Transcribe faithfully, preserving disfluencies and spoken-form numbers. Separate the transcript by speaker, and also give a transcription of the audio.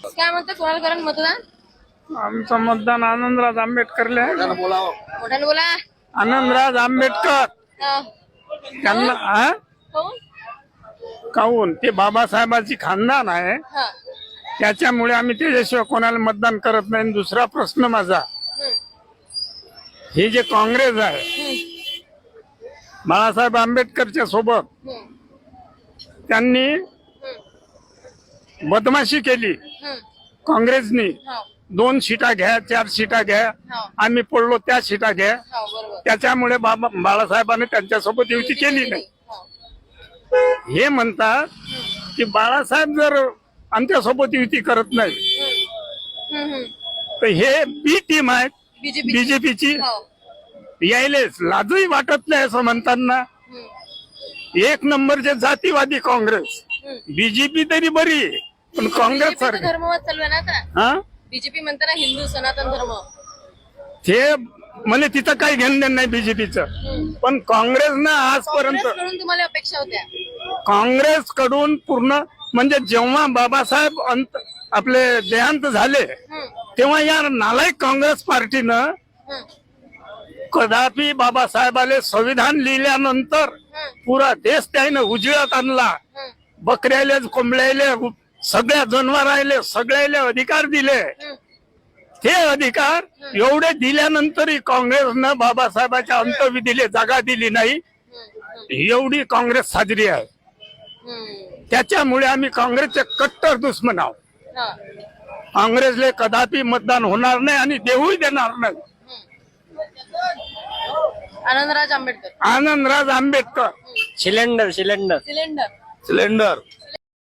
Speaker 1: काय म्हणतात, कोणाला करण मतदान?
Speaker 2: आमचं मतदान आनंदराज आंबेडकरला आहे.
Speaker 1: मोठ्याने बोला.
Speaker 2: आनंदराज आंबेडकर
Speaker 1: हा.
Speaker 2: त्यांना हा?
Speaker 1: कोण?
Speaker 2: काहून ते बाबासाहेबांची खानदान आहे,
Speaker 1: हा.
Speaker 2: त्याच्यामुळे आम्ही त्याच्याशिवाय कोणाला मतदान करत नाही. दुसरा प्रश्न माझा,
Speaker 1: हम्म.
Speaker 2: हे जे काँग्रेस आहे
Speaker 1: हम्म.
Speaker 2: बाळासाहेब आंबेडकरच्या सोबत
Speaker 1: हम्म.
Speaker 2: त्यांनी
Speaker 1: हम्म.
Speaker 2: बदमाशी केली.
Speaker 1: हम्म.
Speaker 2: काँग्रेसनी
Speaker 1: हो.
Speaker 2: दोन सीटा घ्या, चार सीटा घ्या,
Speaker 1: हो.
Speaker 2: आम्ही पडलो त्या सीटा घ्या.
Speaker 1: हो, बरोबर.
Speaker 2: त्याच्यामुळे बाबा बाळासाहेबांनी त्यांच्यासोबत युती केली नाही.
Speaker 1: हो.
Speaker 2: हे म्हणतात की बाळासाहेब जर आमच्यासोबत युती करत नाही
Speaker 1: हम्म. हम्म.
Speaker 2: तर हे बी टीम आहे
Speaker 1: बीजेपी.
Speaker 2: बीजेपीची,
Speaker 1: हो.
Speaker 2: यायलेच लाजही वाटत नाही असं म्हणताना.
Speaker 1: हम्म.
Speaker 2: एक नंबरचे जातीवादी काँग्रेस.
Speaker 1: हम्म.
Speaker 2: बीजेपी तरी बरी आहे, पण काँग्रेस
Speaker 1: बीजेपीचं
Speaker 2: सारखं
Speaker 1: धर्मवाद चालू आहे ना आता.
Speaker 2: हा
Speaker 1: बीजेपी म्हणते ना हिंदू सनातन धर्म.
Speaker 2: ते म्हणजे तिथं काही घेणं देणं नाही बीजेपीचं.
Speaker 1: हम्म.
Speaker 2: पण काँग्रेसनं आजपर्यंत
Speaker 1: काँग्रेसकडून तुम्हाला अपेक्षा होत्या?
Speaker 2: काँग्रेसकडून पूर्ण म्हणजे जेव्हा बाबासाहेब अंत आपले देहांत झाले
Speaker 1: हम्म.
Speaker 2: तेव्हा या नालायक काँग्रेस पार्टीनं
Speaker 1: हम्म.
Speaker 2: कदापि बाबासाहेबाले संविधान लिहिल्यानंतर
Speaker 1: हम्म.
Speaker 2: पुरा देश त्याने उजळत आणला.
Speaker 1: हम्म.
Speaker 2: बकऱ्याले कोंबड्याले सगळ्या जनावराले सगळ्याले अधिकार दिले.
Speaker 1: हम्म.
Speaker 2: ते अधिकार एवढे दिल्यानंतरही काँग्रेसनं बाबासाहेबाच्या अंतविधीले जागा दिली नाही.
Speaker 1: हम्म.
Speaker 2: एवढी काँग्रेस साजरी आहे.
Speaker 1: हम्म.
Speaker 2: त्याच्यामुळे आम्ही काँग्रेसचे कट्टर दुश्मन आहोत.
Speaker 1: हा.
Speaker 2: काँग्रेसले कदापि मतदान होणार नाही आणि देऊही देणार नाही.
Speaker 1: Anandraj Ambedkar.
Speaker 2: Anandraj Ambedkar.
Speaker 3: Cylinder cylinder
Speaker 1: cylinder.
Speaker 2: Cylinder